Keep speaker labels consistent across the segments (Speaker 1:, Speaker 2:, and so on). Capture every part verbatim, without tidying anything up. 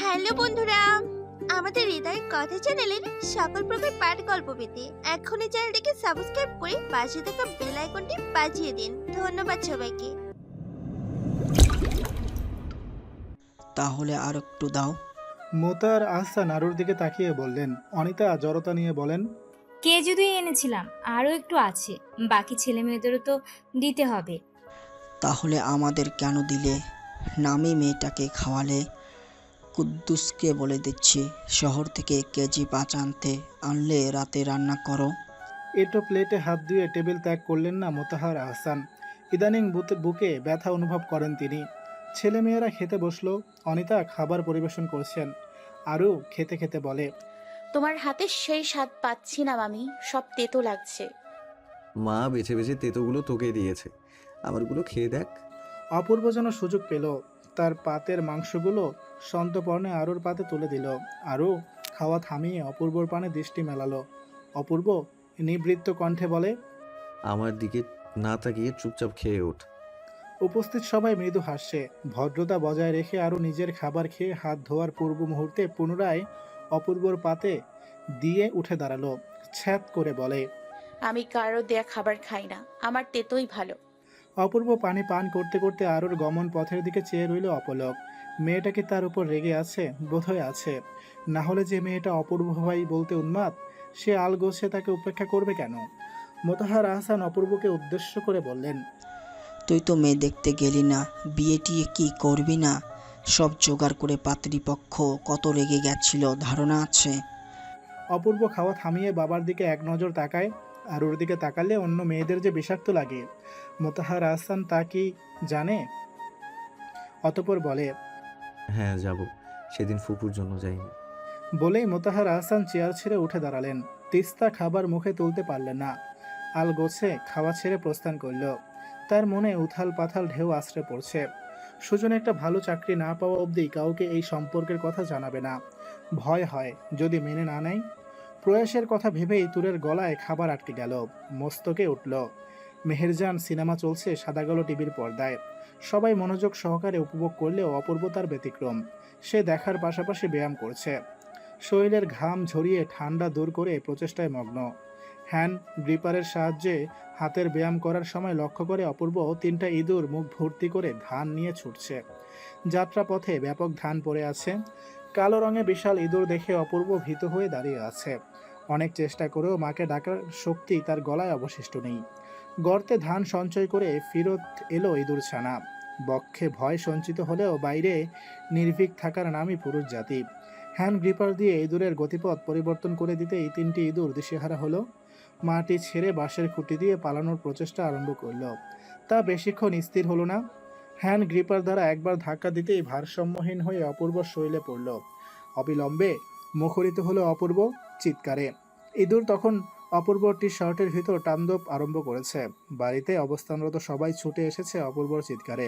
Speaker 1: Hello বন্ধুরা, আমাদের হৃদয় কথা চ্যানেলের সকল প্রকার পাঠ গল্প পেতে এখনই চ্যানেলটিকে সাবস্ক্রাইব করে পাশে থাকা বেল আইকনটি বাজিয়ে দিন। ধন্যবাদ সবাইকে।
Speaker 2: তাহলে আর একটু দাও।
Speaker 3: মোতার আহসান আরুর দিকে তাকিয়ে বললেন। অনিতা জড়তা নিয়ে বলেন,
Speaker 4: কে যদি এনেছিলাম, আরও একটু আছে, বাকি ছেলে মেয়েদেরও তো দিতে হবে।
Speaker 2: তাহলে আমাদের কেন দিলে? নামি মেয়েটাকে খাওয়ালে। কুদ্দুসকে বলে দিচ্ছি শহর থেকে কেজি পাঁচ আনতে, আনলে রাতে রান্না করো।
Speaker 3: এটো প্লেটে হাত ধুয়ে টেবিল ত্যাগ করলেন না মোতাহার আহসান। ইদানিং বুতে- বুকে ব্যথা অনুভব করেন তিনি। ছেলেমেয়েরা খেতে বসলো। অনিতা খাবার পরিবেশন করছেন। আরু খেতে খেতে বলে,
Speaker 5: তোমার হাতে সেই স্বাদ পাচ্ছি না মামি, সব তেতো লাগছে।
Speaker 6: মা বেছে বেছে তেতোগুলো তোকে দিয়েছে, আমারগুলো খেয়ে দেখ।
Speaker 3: অপূর্ব যেন সুযোগ পেল। তার পাতের মাংসগুলো সন্তপর্ণে আরুর পাতে তুলে দিল। আরু খাওয়া থামিয়ে অপূর্বর পানে দৃষ্টি মেলালো। অপূর্ব নিবৃত্ত কণ্ঠে বলে,
Speaker 6: আমার দিকে না তাকিয়ে চুপচাপ খেয়ে ওঠ।
Speaker 3: উপস্থিত সবাই মৃদু হাসছে। ভদ্রতা বজায় রেখে আরও নিজের খাবার খেয়ে হাত ধোয়ার পূর্ব মুহূর্তে পুনরায় অপূর্বর পাতে দিয়ে উঠে দাঁড়ালো। ছ্যাঁত করে বলে,
Speaker 5: আমি কারো দেয়া খাবার খাই না, আমার তেতোই ভালো।
Speaker 3: অপূর্ব পানি পান করতে করতে আরুর গমন পথের দিকে চেয়ে রইল অপলক। মেয়েটা কি তার উপর রেগে আছে? বোধহয় আছে। না হলে যে মেয়েটা অপূর্ব ভাই বলতে উন্মাদ, সে আলগোছে তাকে উপেক্ষা করবে কেন? মোতাহার আহসান অপূর্বকে উদ্দেশ্য করে বললেন,
Speaker 2: তুই তো মেয়ে দেখতে গেলি না, বিয়ে টিয়ে কি করবি না? সব জোগাড় করে পাত্রীপক্ষ কত রেগে গেছিল ধারণা আছে?
Speaker 3: অপূর্ব খাওয়া থামিয়ে বাবার দিকে এক নজর তাকায়। আর ওর দিকে তাকালে অন্য মেয়েদের যে বিষাক্ত লাগে, মোতাহার আহসান তা কি জানে? অতঃপর বলে,
Speaker 6: হ্যাঁ যাব, সেদিন ফুপুর জন্য যাইনি।
Speaker 3: বলেই মোতাহার আহসান চেয়ার ছেড়ে উঠে দাঁড়ালেন। তিস্তা খাবার মুখে তুলতে পারলেন না। আল গোছে খাওয়া ছেড়ে প্রস্থান করল। তার মনে উথাল পাথাল ঢেউ আশ্রে পড়ছে। সুজন একটা ভালো চাকরি না পাওয়া অবধি কাউকে এই সম্পর্কের কথা জানাবে না। ভয় হয় যদি মেনে না নেয়। প্রয়াসের কথা ভেবেই তুরের গলায় খাবার আটকে গেল। মস্তকে উঠল। মেহেরজান সিনেমা চলছে সাদাকালো টিভির পর্দায়। সবাই মনোযোগ সহকারে উপভোগ করলেও অপূর্বতার ব্যতিক্রম। সে দেখার পাশাপাশি ব্যায়াম করছে। শরীরের ঘাম ঝরিয়ে ঠান্ডা দূর করে প্রচেষ্টায় মগ্ন। হ্যান্ড গ্রিপারের সাহায্যে হাতের ব্যায়াম করার সময় লক্ষ্য করে অপূর্ব তিনটা ইঁদুর মুখ ভর্তি করে ধান নিয়ে ছুটছে। যাত্রাপথে ব্যাপক ধান পড়ে আছে। কালো রঙে বিশাল ইঁদুর দেখে অপূর্ব ভীত হয়ে দাঁড়িয়ে আছে। অনেক চেষ্টা করেও মাকে ডাকার শক্তি তার গলায় অবশিষ্ট নেই। গর্তে ধান সঞ্চয় করে ফিরত এলো ইঁদুর ছানা। বক্ষে ভয় সঞ্চিত হলেও বাইরে নির্ভীক থাকার নামই পুরুষ জাতি। হ্যান্ড গ্রিপার দিয়ে ইঁদুরের গতিপথ পরিবর্তন করে দিতেই তিনটি ইঁদুর দিশেহারা হলো। মাটি ছেড়ে বাঁশের খুঁটি দিয়ে পালানোর প্রচেষ্টা আরম্ভ করলো। তা বেশিক্ষণ স্থির হলো না। হ্যান্ড গ্রিপার দ্বারা একবার ধাক্কা দিতেই ভারসাম্যহীন হয়ে অপূর্ব শৈলে পড়ল। অবিলম্বে মুখরিত হলো অপূর্ব চিৎকারে। ইঁদুর তখন অপূর্বর টি শার্টের ভিতর তাণ্ডব আরম্ভ করেছে। বাড়িতে অবস্থানরত সবাই ছুটে এসেছে অপূর্বর চিৎকারে।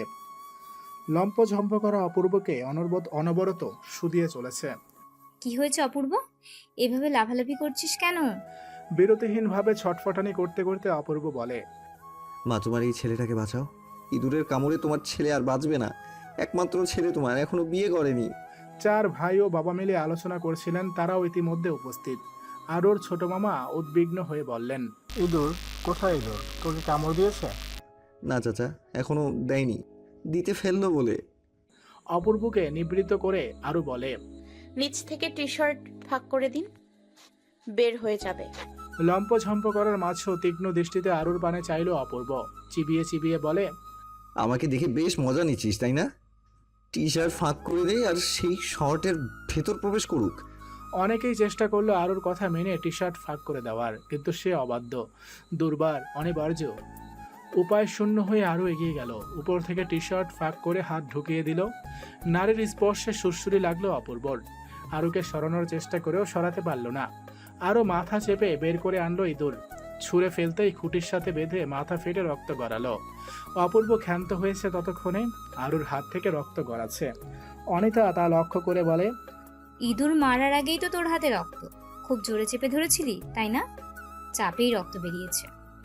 Speaker 3: লম্পঝম্প করা অপূর্বকে অনবরত অনবরত শুধিয়ে চলেছে।
Speaker 4: কি হয়েছে অপূর্ব, এভাবে লাফালাফি করছিস কেন?
Speaker 3: বিরতিহীনভাবে ছটফটানি করতে করতে অপূর্ব বলে,
Speaker 6: মা তোমার এই ছেলেটাকে বাঁচাও, ইঁদুরের কামড়ে তোমার ছেলে আর বাঁচবে না। একমাত্র ছেলে তোমার, এখনো বিয়ে করেনি।
Speaker 3: চার ভাই ও বাবা মিলে আলোচনা করছিলেন, তারাও ইতিমধ্যে উপস্থিত। আর ওর ছোট মামা উদ্বিগ্ন হয়ে বললেন, ইঁদুর কোথায়? ইঁদুর তোকে কামড় দিয়েছে?
Speaker 6: না চাচা, এখনো দেয়নি, দিতে ফেললো বলে।
Speaker 3: অপূর্বকে নিবৃত্ত করে আরও বলে,
Speaker 5: নিচ থেকে টি শার্ট ফাঁক করে দিন, বের হয়ে যাবে।
Speaker 3: লম্পঝম্প করার মাঝেও তীক্ষ্ণ দৃষ্টিতে আরুর পানে চাইল অপূর্ব। চিবিয়ে চিবিয়ে বলে,
Speaker 6: আমাকে দেখে বেশ মজা নিচ্ছিস তাই না? টি শার্ট ফাঁক করে দেয় আর সেই শর্টের ভেতর প্রবেশ করুক।
Speaker 3: অনেকেই চেষ্টা করলো আরুর কথা মেনে টি শার্ট ফাঁক করে দেওয়ার, কিন্তু সে অবাধ্য, দুর্বার, অনিবার্য। উপায় শূন্য হয়ে আরও এগিয়ে গেল। উপর থেকে টি শার্ট ফাঁক করে হাত ঢুকিয়ে দিল। নারীর স্পর্শে সুরসুরি লাগলো অপূর্বর। আরুকে সরানোর চেষ্টা করেও সরাতে পারল না। আরও মাথা চেপে বের করে আনলো ইঁদুর। ছুঁড়ে ফেলতেই খুঁটির সাথে বেঁধে মাথা ফেটে রক্ত গড়ালো। অপূর্ব ক্ষান্ত হয়েছে ততক্ষণে আরুর হাত থেকে রক্ত গড়াচ্ছে। অনিতা তা লক্ষ্য করে বলে,
Speaker 4: ইঁদুর মারার আগেই তো তোর হাতে রক্ত, খুব জোরে চেপে ধরেছিলি তাই না? চাপেই রক্ত বেরিয়েছে।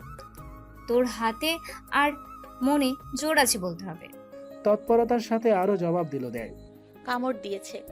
Speaker 4: তোর হাতে আর মনে জোর আছে বলতে হবে।
Speaker 3: তৎপরতার সাথে আরও জবাব দিল দেয়,
Speaker 5: কামড় দিয়েছে।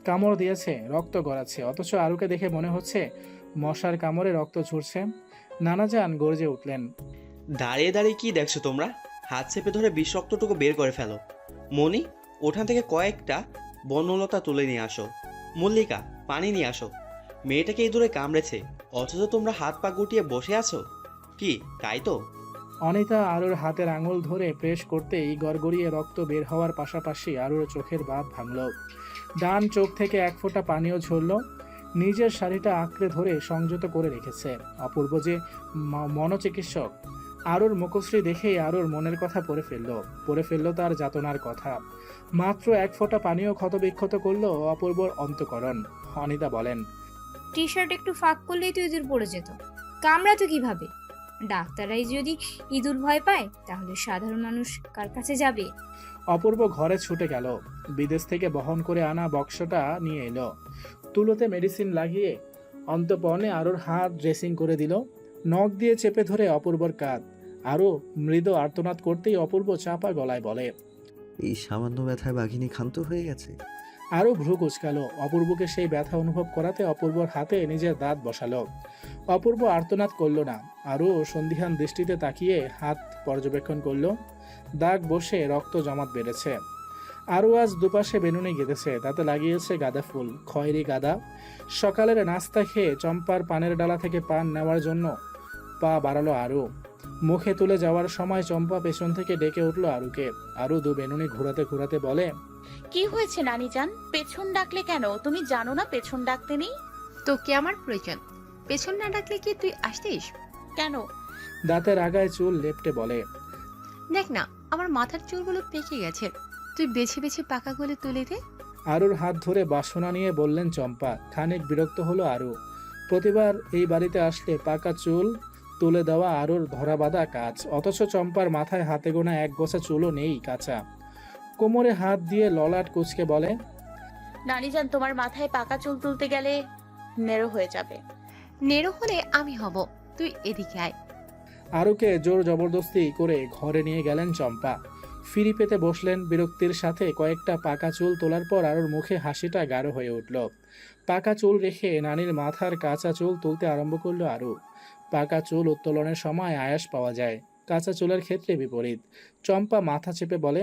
Speaker 3: কামড় দিয়েছে, রক্ত গড়াচ্ছে, অথচ আরুকে দেখে মনে হচ্ছে মশার কামড়ে রক্ত ঝরছে। নানাজান গর্জে উঠলেন।
Speaker 7: দাঁড়িয়ে দাঁড়িয়ে কি দেখছো তোমরা? হাত চেপে ধরে বিষ রক্তটুকু বের করে ফেলো। মনি, ওখান থেকে কয়েকটা বনলতা তুলে নিয়ে আসো। মল্লিকা, পানি নিয়ে আসো। মেয়েটাকে ইঁদুরে কামড়েছে, অথচ তোমরা হাত পা গুটিয়ে বসে আছো। কি তাই তো?
Speaker 3: অনিতা আরুর হাতের আঙুল ধরে প্রেস করতেই গড়গড়িয়ে রক্ত বের হওয়ার পাশাপাশি আরুর চোখের বাঁধ ভাঙল। ডান চোখ থেকে এক ফোঁটা পানিও ঝরল। নিজের শাড়িটা আঁকড়ে ধরে সংযত করে রেখেছে। অপূর্ব যে ম- মনোচিকিৎসক, আরুর মুখশ্রী দেখেই আরুর মনের কথা পড়ে ফেলল পড়ে ফেলল তার যাতনার কথা। মাত্র এক ফোঁটা পানিও ক্ষতবিক্ষত করলো অপূর্বর অন্তঃকরণ। অনিতা বলেন,
Speaker 4: টি শার্ট একটু ফাঁক করলেই তো ইঁদুর পড়ে যেত, কামড়াতো কিভাবে? ডাক্তাররাই যদি ইঁদুর ভয় পায়, তাহলে সাধারণ মানুষ কার কাছে যাবে?
Speaker 3: অপূর্ব ঘরে ছুটে গেল। বিদেশ থেকে বহন করে আনা বক্সটা নিয়ে এলো। তুলোতে মেডিসিন লাগিয়ে অন্তঃপর্ণে আরুর হাত ড্রেসিং করে দিল। নখ দিয়ে চেপে ধরে অপূর্বর কাঁধ। আরও মৃদু আর্তনাদ করতেই অপূর্ব চাপা গলায় বলে,
Speaker 6: এই সামান্য ব্যথায় বাঘিনী ক্ষান্ত হয়ে গেছে।
Speaker 3: আরও ভ্রু কুচকালো। অপূর্বকে সেই ব্যথা অনুভব করাতে অপূর্বর হাতে নিজের দাঁত বসালো। অপূর্ব আর্তনাদ করল না। আরও সন্দিহান দৃষ্টিতে তাকিয়ে হাত পর্যবেক্ষণ করলো। দাগ বসে রক্ত জমাট বেড়েছে। আরও আজ দুপাশে বেনুনি গেঁথেছে, তাতে লাগিয়েছে গাঁদা ফুল, খয়েরি গাঁদা। সকালের নাস্তা খেয়ে চম্পার পানের ডালা থেকে পান নেওয়ার জন্য পা বাড়ালো আরু। মুখে তুলে যাওয়ার সময় চম্পা পেছন থেকে ডেকে উঠলো আরুকে। আরু দু বেনুনি ঘোরাতে ঘোরাতে বলে,
Speaker 5: কি হয়েছে নানিজান? পেছন ডাকলে কেন? তুমি জানো না পেছন ডাকতে নেই?
Speaker 8: তোকে আমার প্রয়োজন, পেছন না ডাকলে কি তুই আসতিস?
Speaker 5: কেন?
Speaker 3: দাঁতের আগায় চুল লেপটে বলে,
Speaker 8: দেখ না, আমার মাথার চুলগুলো পেকে গেছে, তুই বেছে বেছে পাকাগুলো তুলে দে।
Speaker 3: আরুর হাত ধরে বাসনা নিয়ে বললেন চম্পা। খানিক বিরক্ত হলো আরু। প্রতিবার এই বাড়িতে আসলে পাকা চুল তুলে দেওয়া আরুর ধরা বাঁধা কাজ, অথচ চম্পার মাথায় হাতে গোনা এক গোছা চুলও নেই কাঁচা। কোমরে হাত দিয়ে ললাট কুচকে বলে,
Speaker 5: নানিজান, তোমার মাথায় পাকা চুল তুলতে গেলে নেড়ো হয়ে যাবে।
Speaker 8: নেড়ো হলে আমি হব, তুই এদিকে আয়।
Speaker 3: আরুকে জোর জবরদস্তি করে ঘরে নিয়ে গেলেন চম্পা। ফিরি পেতে বসলেন বিরক্তির সাথে। কয়েকটা পাকা চুল তোলার পর আরুর মুখে হাসিটা গাঢ় হয়ে উঠল। পাকা চুল রেখে নানির মাথার কাঁচা চুল তুলতে আরম্ভ করলো আরু। পাকা চুল উত্তোলনের সময় আয়াস পাওয়া যায়, কাঁচা চুলের ক্ষেত্রে বিপরীত। চম্পা মাথা চেপে বলে,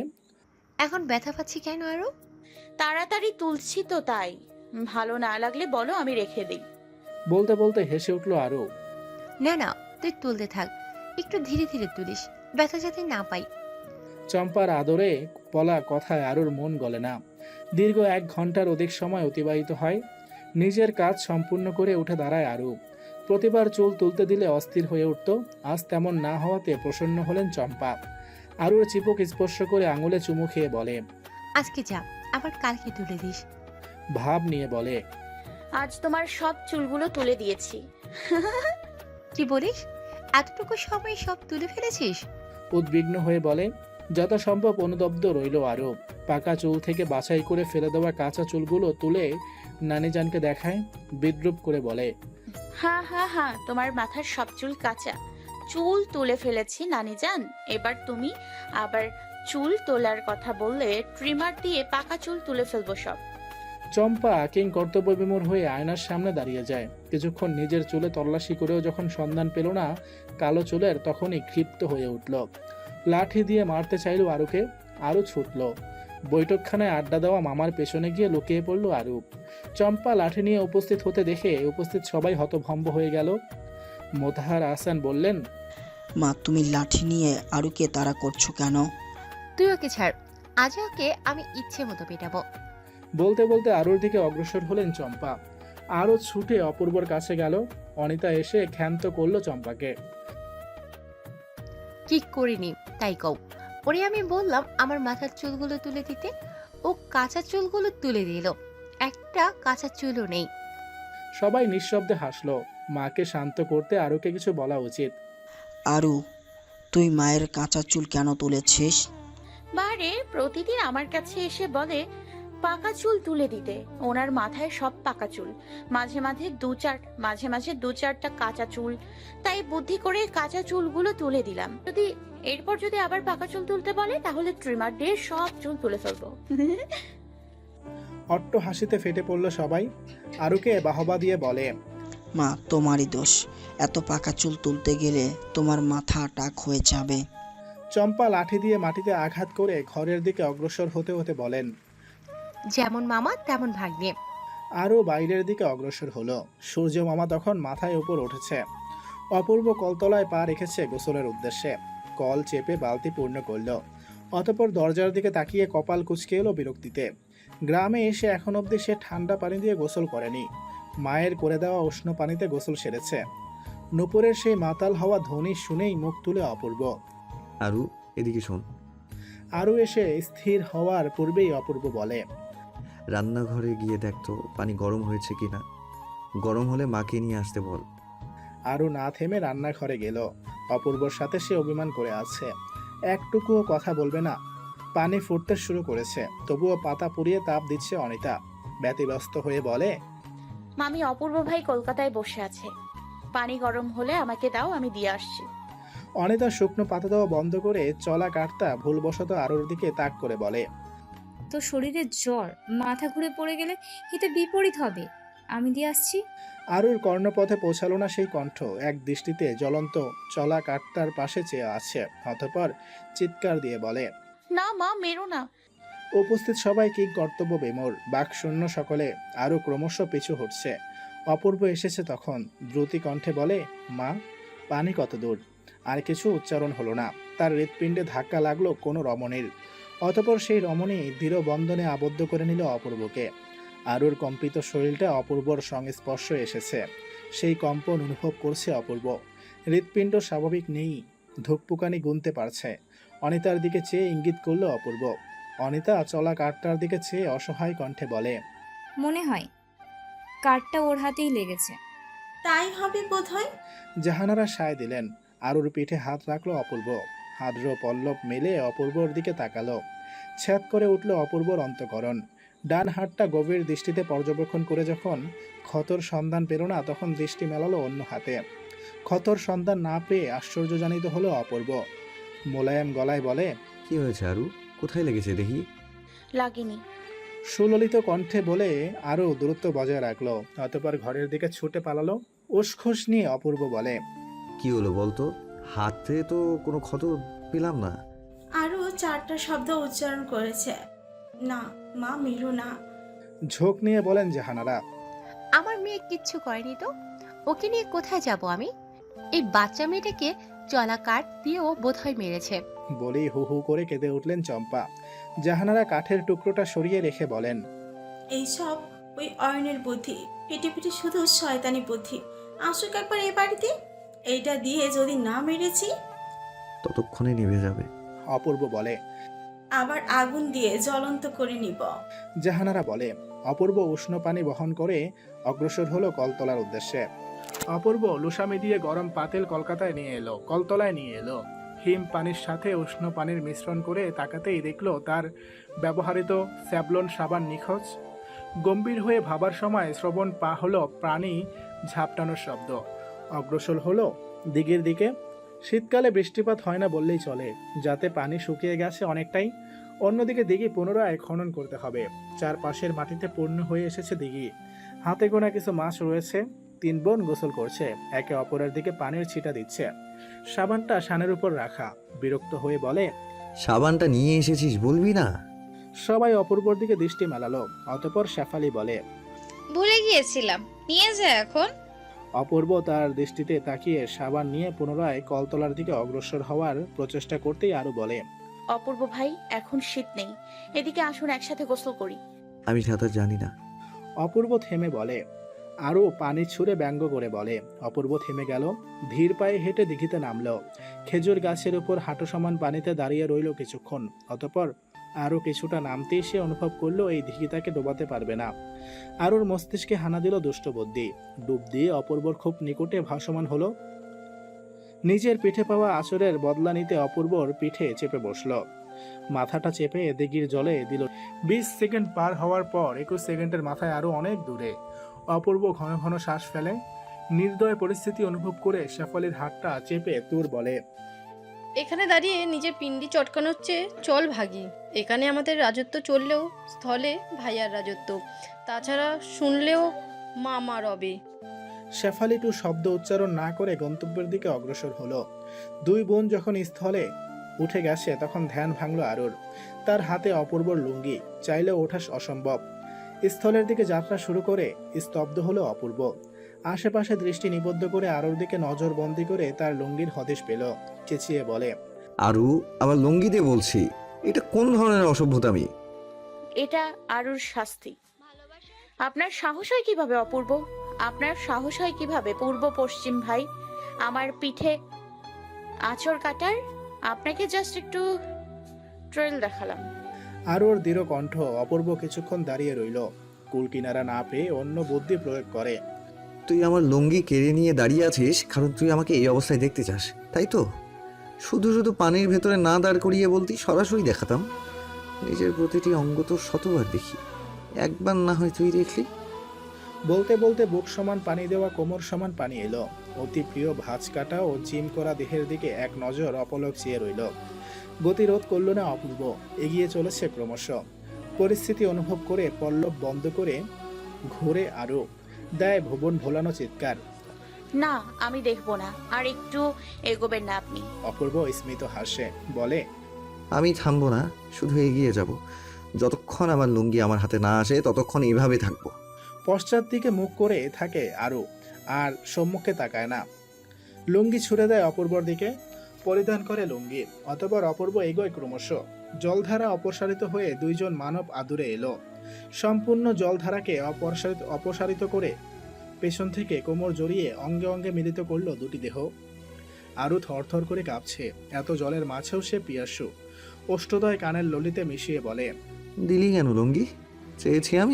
Speaker 8: এখন ব্যথা পাচ্ছি কেন আরো?
Speaker 5: তাড়াতাড়ি তুলছি তো তাই। ভালো না লাগলে বলো, আমি রেখে দিই।
Speaker 3: বলতে বলতে হেসে উঠল আরু।
Speaker 8: না না, তুই তুলতে থাক, একটু ধীরে ধীরে তুলিস, ব্যথা যাতে না পাই।
Speaker 3: চম্পার আদরে বলা কথায় আরুর মন গলে না। দীর্ঘ এক ঘন্টার অধিক সময় অতিবাহিত হয়। নিজের কাজ সম্পূর্ণ করে উঠে দাঁড়ায় আরু। প্রতিবার চুল তুলতে দিলে অস্থির হয়ে উঠত। আজ তেমন না হওয়াতে প্রসন্ন হলেন চম্পা। আরুর চিপক স্পর্শ করে আঙুলে চুমু খেয়ে বলে,
Speaker 8: আজকে যা, আবার কালকে তুলে দিস।
Speaker 3: ভাব নিয়ে বলে,
Speaker 5: আজ তোমার সব চুলগুলো তুলে দিয়েছি।
Speaker 8: কি বলিস? এতটুকু সময় সব তুলে ফেলেছিস?
Speaker 3: উদ্বিগ্ন হয়ে বলে। যথাসম্ভব অনুদব্ধ রইল আরু। পাকা চুল থেকে বাছাই করে ফেলে দেওয়া কাঁচা চুলগুলো তুলে নানিজানকে দেখায়। বিদ্রুপ করে বলে,
Speaker 5: হ্যাঁ হ্যাঁ হ্যাঁ, তোমার মাথার সব চুল কাঁচা। চুল তুলে ফেলেছি নানিজান। এবার তুমি আবার চুল তোলার কথা বললে ট্রিমার দিয়ে পাকা চুল তুলে ফেলবো সব।
Speaker 3: চম্পা কিং কর্তব্যবিমূঢ় হয়ে আয়নার সামনে দাঁড়িয়ে যায়। কিছুক্ষণ নিজের চুলে তল্লাশি করেও যখন সন্ধান পেল না কালো চুলের, তখনই ক্ষিপ্ত হয়ে উঠল। লাঠি দিয়ে মারতে চাইল আরুকে। আরু ছুটল। বৈঠকখানায় আড্ডা দেওয়া মামার পেছনে গিয়ে লুকিয়ে পড়ল আরু। চম্পা লাঠি নিয়ে উপস্থিত হতে দেখে উপস্থিত সবাই হতভম্ব হয়ে গেল। মোতাহার আহসান বললেন,
Speaker 2: মা, তুমি লাঠি নিয়ে আরুকে তাড়া করছো কেন?
Speaker 8: তুই ওকে ছাড়, আজ ওকে আমি ইচ্ছে মতো পেটাবো।
Speaker 3: বলতে বলতে আরুর দিকে অগ্রসর হলেন চম্পা। আরও ছুটে অপূর্বর কাছে গেল। অনিতা এসে ক্ষান্ত করলো চম্পাকে।
Speaker 8: কি করিনি তাই কও। ওরে আমি বললাম আমার মাথার চুলগুলো তুলে দিতে, ও কাঁচা চুলগুলো তুলে দিল, একটা কাঁচা চুলও নেই।
Speaker 3: সবাই নিঃশব্দে হাসলো। মাকে শান্ত করতে আরুকে কিছু বলা উচিত।
Speaker 2: আরু, তুই মায়ের কাঁচা চুল কেন তুলেছিস?
Speaker 5: বারে প্রতিদিন আমার কাছে এসে বলে পাকা চুল তুলে দিতে। ওনার মাথায় সব পাকা চুল, মাঝে মাঝে দু চার মাঝে মাঝে দু চারটা কাঁচা চুল। তাই বুদ্ধি করে কাঁচা চুলগুলো তুলে দিলাম। যদি এরপর যদি আবার পাকা চুল তুলতে বলে, তাহলে ট্রিমার দিয়ে সব চুল তুলে ফেলবো।
Speaker 3: অট্ট হাসিতে ফেটে পড়ল সবাই। আরুকে বাহবা দিয়ে বলে,
Speaker 2: মা তোমারই দোষ, এত পাকা চুল তুলতে গেলে তোমার মাথা টাক হয়ে যাবে।
Speaker 3: চম্পা লাঠি দিয়ে মাটিতে আঘাত করে ঘরের দিকে অগ্রসর হতে হতে বলেন।
Speaker 8: যেমন মামা তেমন ভাগ্নে।
Speaker 3: আরও বাইরের দিকে অগ্রসর হলো। সূর্য মামা তখন মাথায় উপর উঠেছে। অপূর্ব কলতলায় পা রেখেছে গোসলের উদ্দেশ্যে। কল চেপে বালতি পূর্ণ করল। অতঃপর দরজার দিকে তাকিয়ে কপাল কুঁচকে এলো বিরক্তিতে। গ্রামে এসে এখন অবধি সে ঠান্ডা পানি দিয়ে গোসল করেনি। মায়ের করে দেওয়া উষ্ণ পানিতে গোসল সেরেছে। নুপুরের সেই মাতাল হওয়া ধ্বনি শুনেই মুখ তুলে অপূর্ব।
Speaker 6: আরু এদিকে শোন।
Speaker 3: আরও এসে স্থির হওয়ার পূর্বেই অপূর্ব বলে,
Speaker 6: রান্নাঘরে গিয়ে দেখ তো পানি গরম হয়েছে কিনা। গরম হলে মাকে নিয়ে আসতে বল।
Speaker 3: আরও না থেমে রান্নাঘরে গেল। অপূর্বর সাথে সে অভিমান করে আছে, একটুকুও কথা বলবে না। পানি ফুটতে শুরু করেছে, তবুও পাতা পুড়িয়ে তাপ দিচ্ছে অনিতা। ব্যতিব্যস্ত হয়ে বলে,
Speaker 5: মামি অপূর্ব ভাই কলকাতায় বসে আছে, পানি গরম হলে আমাকে দাও, আমি দিয়ে আসছি।
Speaker 3: অনিতা শুকনো পাতা দেওয়া বন্ধ করে চলা কাটতা ভুলবশত আরুর দিকে তাক করে বলে,
Speaker 4: তো শরীরে জ্বর, মাথা ঘুরে পড়ে গেলে হিতে বিপরীত হবে। আমি দিয়ে আসছি।
Speaker 3: আরুর কর্ণপথে পৌঁছালো না সেই কণ্ঠ। এক দৃষ্টিতে জ্বলন্ত চলা কাঠটার পাশে চেয়ে আছে। অতঃপর চিৎকার দিয়ে বলে,
Speaker 5: না মা, মেরো না।
Speaker 3: উপস্থিত সবাই কি কর্তব্য বেমোর, বাকশূন্য সকলে। আরও ক্রমশ পিছু হটছে। অপূর্ব এসেছে তখন। দ্রুতি কণ্ঠে বলে, মা পানি কত দূর? আর কিছু উচ্চারণ হলো না। তার হৃৎপিণ্ডে ধাক্কা লাগলো কোনো রমণীর। অতঃপর সেই রমণী দৃঢ় বন্ধনে আবদ্ধ করে নিল অপূর্বকে। আরুর কম্পিত শরীরটা অপূর্বর সংস্পর্শ এসেছে। সেই কম্পন অনুভব করছে অপূর্ব। হৃৎপিণ্ড স্বাভাবিক নেই, ধুকপুকানি গুনতে পারছে। অনিতার দিকে চেয়ে ইঙ্গিত করল অপূর্ব। অনিতা চলা কাঠটার দিকে চেয়ে অসহায় কণ্ঠে বলে,
Speaker 4: মনে হয় কাঠটা ওর হাতেই লেগেছে।
Speaker 1: তাই হবে বোধহয়।
Speaker 3: জাহানারা সায় দিলেন। আরুর পিঠে হাত রাখলো অপূর্ব। হাদ্র পল্লব মেলে অপূর্বর দিকে তাকালো। ছ্যাদ করে উঠল অপূর্বর অন্তঃকরণ। ডান হাতটা গভীর দৃষ্টিতে পর্যবেক্ষণ করে যখন ক্ষতর সন্ধান পেল না, তখন দৃষ্টি মেলালো অন্য হাতে। ক্ষতর সন্ধান না পেয়ে আশ্চর্যজনিত হলো অপূর্ব। মোলায়েম গলায় বলে,
Speaker 6: কি হয়েছে আরু? কোথায় লেগেছে দেখি।
Speaker 5: লাগেনি।
Speaker 3: সুললিত কণ্ঠে বলে আরও দূরত্ব বজায় রাখলো। অতঃপর ঘরের দিকে ছুটে পালালো। উসখুস নিয়ে অপূর্ব বলে,
Speaker 6: কি হলো বলতো? হাতে তো কোনো ক্ষত পেলাম না।
Speaker 9: আরও চারটা শব্দ উচ্চারণ করেছে, না মা মেরো না।
Speaker 3: ঝোঁক নিয়ে বলেন জাহানারা,
Speaker 8: আমার মেয়ে কিচ্ছু করেনি তো, ওকে নিয়ে কোথায় যাব আমি? এই বাচ্চা মেয়েটাকে চলা কাঠ দিয়েও বোধহয় মেরেছে।
Speaker 3: বলেই হু হু করে কেঁদে উঠলেন চম্পা। জাহানারা কাঠের টুকরোটা সরিয়ে রেখে বলেন,
Speaker 9: এইসব ওই অয়নের বুদ্ধি, পিটি পিটি শুধু শয়তানি বুদ্ধি। আসুক একবার এ বাড়িতে, এইটা দিয়ে যদি না মেরেছি
Speaker 6: ততক্ষণে নিভে যাবে।
Speaker 3: অপূর্ব বলে।
Speaker 9: আবার আগুন দিয়ে জ্বলন্ত করে নিব।
Speaker 3: জাহানারা বলে। অপূর্ব উষ্ণ পানি বহন করে অগ্রসর হলো কলতলার উদ্দেশ্যে। অপূর্ব লুসামি দিয়ে গরম পাতিল কলকাতায় নিয়ে এলো, কলতলায় নিয়ে এলো। হিম পানির সাথে উষ্ণ পানির মিশ্রণ করে তাকাতেই দেখলো তার ব্যবহৃত স্যাভলন সাবান নিখোঁজ। গম্ভীর হয়ে ভাবার সময় শ্রবণ পা হলো প্রাণী ঝাপটানোর শব্দ। অগ্রসর হলো দিঘির দিকে। শীতকালে বৃষ্টিপাত হয় না বললেই চলে, যাতে পানি শুকিয়ে গেছে অনেকটাই। অন্যদিকে দিঘি পুনরায় খনন করতে হবে। চারপাশের মাটিতে পূর্ণ হয়ে এসেছে দিঘি। হাতে গোনা কিছু মাছ রয়েছে। তিন বোন গোসল করছে, একে অপরের দিকে পানির ছিটা দিচ্ছে। সাবানটা শানের উপর রাখা। বিরক্ত হয়ে বলে,
Speaker 6: সাবানটা নিয়ে এসেছিস বলবি না?
Speaker 3: সবাই অপূর্বর দিকে দৃষ্টি মেলালো। অতঃপর শেফালি বলে,
Speaker 10: ভুলে গিয়েছিলাম, নিয়ে যা এখন।
Speaker 3: অপূর্ব তার দৃষ্টিতে তাকিয়ে সাবান নিয়ে পুনরায় কলতলার দিকে অগ্রসর হওয়ার প্রচেষ্টা করতেই আরো বলে,
Speaker 5: অপূর্ব ভাই এখন শীত নেই, এদিকে আসুন একসাথে গোসল করি।
Speaker 6: আমি সাঁতার জানি না।
Speaker 3: অপূর্ব থেমে বলে। আরও পানি ছুঁড়ে ব্যঙ্গ করে বলে। অপূর্ব থেমে গেল, ধীর পায়ে হেঁটে দিঘিতে নামল। খেজুর গাছের উপর হাঁটু সমান পানিতে দাঁড়িয়ে রইল কিছুক্ষণ। অতঃপর আরও কিছুটা নামতেই সে অনুভব করলো এই দিঘি তাকে ডোবাতে পারবে না। আরুর মস্তিষ্কে হানা দিল দুষ্ট বুদ্ধি। ডুব দিয়ে অপূর্বর খুব নিকটে ভাসমান হলো। নিজের পিঠে পাওয়া আঁচড়ের বদলা নিতে অপূর্বর পিঠে চেপে বসল। মাথাটা চেপে দিঘির জলে দিল। বিশ সেকেন্ড পার হওয়ার পর একুশ সেকেন্ডের মাথায় আরো অনেক দূরে। অপূর্ব ঘন ঘন শ্বাস ফেলে। নির্দয় পরিস্থিতি অনুভব করে শেফালির হাতটা চেপে তুর বলে,
Speaker 11: এখানে দাঁড়িয়ে নিজের পিন্ডি চটকানোর চেয়ে চল ভাগি। এখানে আমাদের রাজত্ব চললেও স্থলে ভাইয়ার রাজত্ব, তাছাড়া শুনলেও মামা রবে।
Speaker 3: শেফালি টু শব্দ উচ্চারণ না করে গন্তব্যের দিকে অগ্রসর হলো। দুই বোন যখন স্থলে উঠে গেছে তখন ধ্যান ভাঙল আরুর। তার হাতে অপূর্বর লুঙ্গি, চাইলেও ওঠা অসম্ভব। স্থলের দিকে যাত্রা শুরু করে স্তব্ধ হলো অপূর্ব। আশেপাশে দৃষ্টি নিবদ্ধ করে আরুর দিকে নজর বন্দি করে তার লুঙ্গির হদিশ পেল। চেঁচিয়ে বলে,
Speaker 6: আরু, আমার লুঙ্গি দিয়ে বলছি, এটা কোন ধরনের অসভ্যতামি?
Speaker 5: এটা আরুর শাস্তি। আপনার সাহস হয় কিভাবে অপূর্ব? আপনার সাহস হয় কিভাবে পূর্ব পশ্চিম ভাই আমার পিঠে আঁচড় কাটার? আপনাকে জাস্ট একটু ট্রেল দেখালাম।
Speaker 3: আরুর দৃঢ় কণ্ঠ। অপূর্ব কিছুক্ষণ দাঁড়িয়ে রইল, কুল কিনারা না পেয়ে অন্য বুদ্ধি প্রয়োগ করে।
Speaker 6: তুই আমার লুঙ্গি কেড়ে নিয়ে দাঁড়িয়ে আছিস কারণ তুই আমাকে এই অবস্থায় দেখতে চাস, তাই তো? শুধু শুধু পানির ভেতরে না দাঁড় করিয়ে বলতি, সরাসরি দেখাতাম। নিজের প্রতিটি অঙ্গ তো শতবার দেখি, একবার না হয় তুই দেখলি।
Speaker 3: বলতে বলতে বুক সমান পানি দেওয়া কোমর সমান পানি এলো। অতি প্রিয় ভাঁজ কাটা ও জিম করা দেহের দিকে এক নজর অপলক চেয়ে রইল। গতিরোধ করল না অপূর্ব, এগিয়ে চলেছে ক্রমশ। পরিস্থিতি অনুভব করে পল্লব বন্ধ করে ঘুরে আরো দেয় ভুবন ভোলানো চিৎকার।
Speaker 5: না, আমি দেখবো না। আর একটু এগোবেন না আপনি।
Speaker 3: অপূর্ব স্মিত হাসে, বলে,
Speaker 6: আমি থামবো না, শুধু এগিয়ে যাব। যতক্ষণ আমার লুঙ্গি আমার হাতে না আসে ততক্ষণ এভাবে থাকবো।
Speaker 3: পশ্চাৎ দিকে মুখ করে থাকে আরো, আর সম্মুখে তাকায় না। লুঙ্গি ছুড়ে দেয় অপূর্বর দিকে, পরিধান করে লুঙ্গি। অতঃপর অপূর্ব এগোয় ক্রমশ। জলধারা অপসারিত হয়ে দুইজন মানব আদুরে এলো। সম্পূর্ণ জলধারাকে অপসারিত অপসারিত করে পেছন থেকে কোমর জড়িয়ে অঙ্গে অঙ্গে মিলিত করলো দুটি দেহ। আরু থরথর করে কাঁপছে। এত জলের মাঝেও সে পিয়াসু। অষ্টদয় কানের ললিতে মিশিয়ে বলে,
Speaker 6: দিলি কেন লুঙ্গি? চেয়েছি আমি?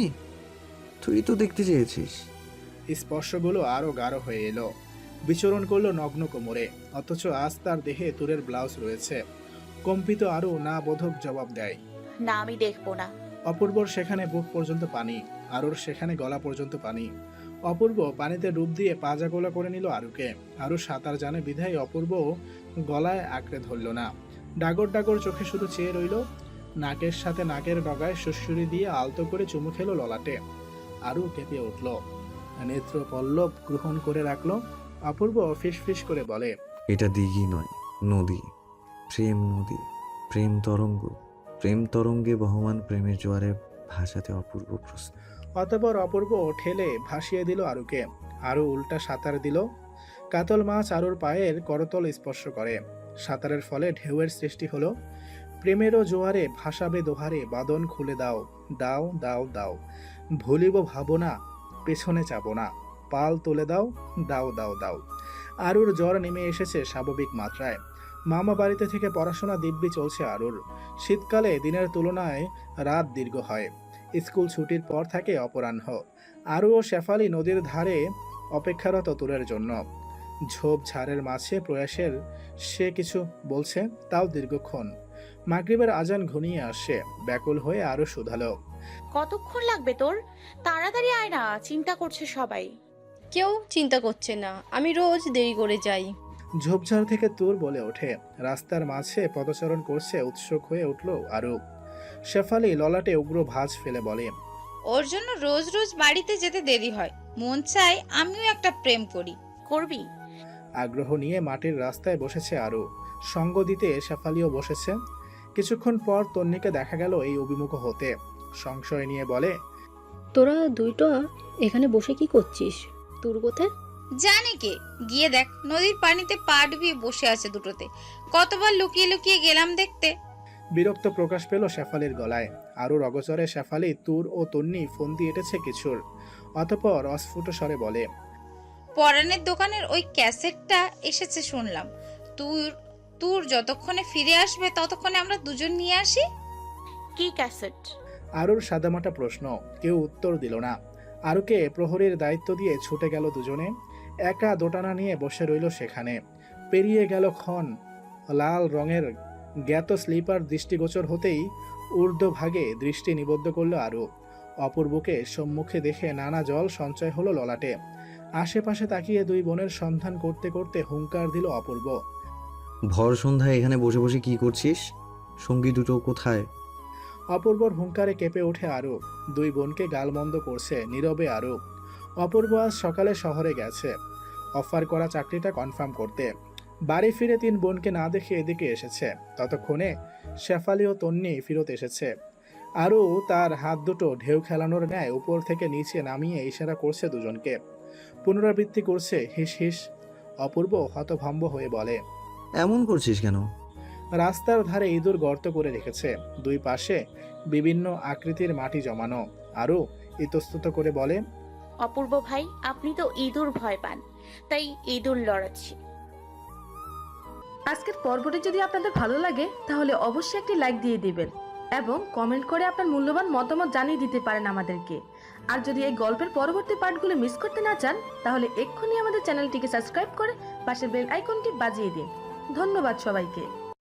Speaker 6: তুই তো দেখতে চেয়েছিস।
Speaker 3: স্পর্শগুলো আরো গাঢ় হয়ে এলো, বিচরণ করলো নগ্ন কোমরে। অথচ আজ তার দেহে তুরের ব্লাউজ রয়েছে। কম্পিত আরো না বোধক জবাব দেয়,
Speaker 5: না, আমি দেখবো না।
Speaker 3: অপূর্বর সেখানে বুক পর্যন্ত পানি, আরুর সেখানে গলা পর্যন্ত পানি। অপূর্ব পানিতে ডুব দিয়ে পাজা গোলা করে নিল আরুকে। আরু সাঁতার জানে বিধায় অপূর্ব গলায় আঁকড়ে ধরল না। ডাগর ডাগর চোখে শুধু চেয়ে রইল। নাকের সাথে নাকের ডগায় সুড়সুড়ি দিয়ে আলতো করে চুমু খেলো ললাটে। আরু কেঁপে উঠল, নেত্র পল্লব গ্রহণ করে রাখলো। অপূর্ব ফিস ফিস করে বলে,
Speaker 6: এটা দিঘি নয়, নদী। প্রেম নদী, প্রেম তরঙ্গ। প্রেম তরঙ্গে বহমান প্রেমের জোয়ারে ভাসাতে অপূর্ব প্রশ্ন।
Speaker 3: অতঃপর অপূর্ব ঠেলে ভাসিয়ে দিল আরুকে। আরু উল্টা সাঁতার দিল। কাতল মাছ আরুর পায়ের করতল স্পর্শ করে। সাঁতারের ফলে ঢেউয়ের সৃষ্টি হলো। প্রেমেরও জোয়ারে ভাসাবে দোহারে, বাদন খুলে দাও, দাও দাও দাও। ভুলিব ভাবনা, পেছনে চাবো না, পাল তুলে দাও, দাও দাও দাও। আরুর জ্বর নেমে এসেছে স্বাভাবিক মাত্রায়। মামা বাড়িতে থেকে পড়াশোনা দিব্যি চলছে আরুর। শীতকালে দিনের তুলনায় রাত দীর্ঘ হয়। স্কুল ছুটির পর থাকে অপরাহ্ন। আরু ও শেফালি নদীর ধারে অপেক্ষারত তুরের জন্য। ঝোপ ঝাড়ের মাঝে প্রয়াসের সে কিছু বলছে, তাও দীর্ঘক্ষণ। মাগরিবের আজান ঘনিয়ে আসে। ব্যাকুল হয়ে আরো শুধালো,
Speaker 5: কতক্ষণ লাগবে তোর? তাড়াতাড়ি আয় না, চিন্তা করছে সবাই।
Speaker 11: কেউ চিন্তা করছে না, আমি রোজ দেরি করে যাই।
Speaker 3: ঝোপঝাড় থেকে তুর বলে ওঠে। রাস্তার মাঝে পদচারণ করছে উৎসুক হয়ে উঠল আরু। শেফালি ললাটে উগ্র ভাঁজ ফেলে বলে,
Speaker 10: ওর জন্য রোজ রোজ বাড়িতে যেতে দেরি হয়। মন চায় আমিও একটা প্রেম করি।
Speaker 5: করবি?
Speaker 3: আগ্রহ নিয়ে মাটির রাস্তায় বসেছে আরু। সঙ্গ দিতে শেফালিও বসেছে। কিছুক্ষণ পর তন্নিকে দেখা গেল এই অভিমুখ হতে। সংশয় নিয়ে বলে,
Speaker 11: তোরা দুইটা এখানে বসে কি করছিস? তোর কোথায়?
Speaker 10: জানে কে? গিয়ে দেখ, নদীর পানিতে পা ডুবিয়ে বসে আছে দুটোতে। কতবার লুকিয়ে লুকিয়ে গেলাম দেখতে।
Speaker 3: বিরক্ত প্রকাশ পেল শেফালির গলায়। আরুর অগচরে শেফালি তুর ও তন্নি ফন্দি এঁটেছে কিছুর। অতঃপর অস্ফুট স্বরে বলে,
Speaker 10: পরানের দোকানের ওই ক্যাসেটটা এসেছে শুনলাম। তুই তোর যতক্ষণে ফিরে আসবে ততক্ষণে আমরা দুজন নিয়ে আসি।
Speaker 5: কি ক্যাসেট?
Speaker 3: আরুর সাদামাটা প্রশ্ন। কেউ উত্তর দিল না। আরুকে প্রহরীর দায়িত্ব দিয়ে ছুটে গেল দুজনে। একা দোটানা নিয়ে বসে রইল সেখানে। পেরিয়ে গেল ক্ষণ। লাল রঙের জ্ঞাত স্লিপার দৃষ্টিগোচর হতেই ঊর্ধ্বভাগে দৃষ্টি নিবদ্ধ করল আরু। অপূর্বকে সম্মুখে দেখে নানা জল সঞ্চয় হলো ললাটে। আশেপাশে তাকিয়ে দুই বোনের সন্ধান করতে করতে হুঙ্কার দিল অপূর্ব,
Speaker 6: ভর সন্ধ্যায় এখানে বসে বসে কি করছিস? সঙ্গী দুটো কোথায়?
Speaker 3: অপূর্বর হুঙ্কারে কেঁপে ওঠে আরূপ। দুই বোনকে গালমন্দ করছে নীরবে আরূপ। অপূর্ব আজ সকালে শহরে গেছে অফার করা চাকরিটা কনফার্ম করতে। বাড়ি ফিরে তিন বোনকে না দেখে এদিকে এসেছে। ততক্ষণে শেফালি ও তন্নি ফিরত এসেছে। আরও তার হাত দুটো ঢেউ খেলানোর ন্যায় উপর থেকে নিচে নামিয়ে ইশারা করছে দুজনকে। পুনরাবৃত্তি করছে হিস হিস। অপূর্ব হতভম্ব হয়ে বলে,
Speaker 6: এমন করছিস কেন?
Speaker 3: রাস্তার ধারে ইঁদুর গর্ত করে রেখেছে, দুই পাশে বিভিন্ন আকৃতির মাটি জমানো। আরও ইতস্তত করে বলে,
Speaker 5: অপূর্ব ভাই, আপনি তো ইঁদুর ভয় পান, তাই ইঁদুর লড়াচ্ছি।
Speaker 12: আজকের পর্বটি যদি আপনাদের ভালো লাগে তাহলে অবশ্যই একটি লাইক দিয়ে দিবেন এবং কমেন্ট করে আপনার মূল্যবান মতামত জানিয়ে দিতে পারেন আমাদেরকে। আর যদি এই গল্পের পরবর্তী পার্টগুলো মিস করতে না চান তাহলে এক্ষুনি আমাদের চ্যানেলটিকে সাবস্ক্রাইব করে পাশের বেল আইকনটি বাজিয়ে দিন। ধন্যবাদ সবাইকে।